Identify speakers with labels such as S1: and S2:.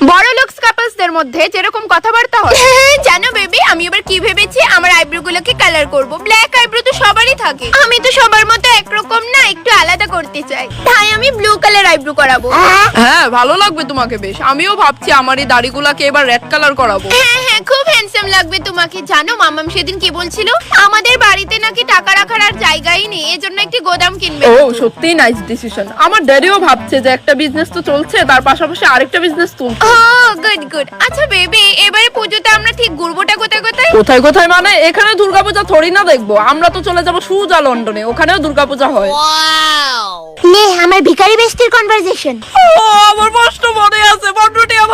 S1: বড় লুকস কাপলসদের মধ্যে যেরকম কথাবার্তা হয়, জানো বেবি আমি এবার কি ভেবেছি, আমার আইব্রো গুলোকে কালার করব। ব্ল্যাক আইব্রো তো সবারই থাকে, আমি তো সবার মতো একরকম না, একটু আলাদা করতে চাই, তাই আমি ব্লু কালার আইব্রো করাবো।
S2: হ্যাঁ ভালো লাগবে তোমাকে বেশ। আমিও ভাবছি আমার এই দাড়িগুলাকে এবার রেড কালার করাবো।
S1: হ্যাঁ হ্যাঁ, খুব হ্যান্ডসাম লাগবে তোমাকে। জানো মামাম সেদিন কি বলছিল, আমাদের বাড়িতে নাকি টাকা রাখার আর জায়গাই নেই, এজন্য একটি গোদাম কিনবে।
S2: ও সত্যিই নাইস ডিসিশন। আমার ড্যাডিও ভাবছে যে একটা বিজনেস তো চলছে, তার পাশাপাশি আরেকটা বিজনেস তুলছে।
S1: Oh good good. আচ্ছা বেবি, এবারে পুজোতে আমরা ঠিক ঘুরবোটা কোথায় কোথায়?
S2: কোথায় কোথায় মানে, এখানে দুর্গাপূজা থোড়ি না দেখবো, আমরা তো চলে যাবো সুজা লন্ডনে, ওখানেও দুর্গাপূজা হয়।
S3: নে আমার ভিখারি বেস্টির কনভারসেশন।
S2: ও আমার কষ্ট মনে আছে, বন্ধুটি আমার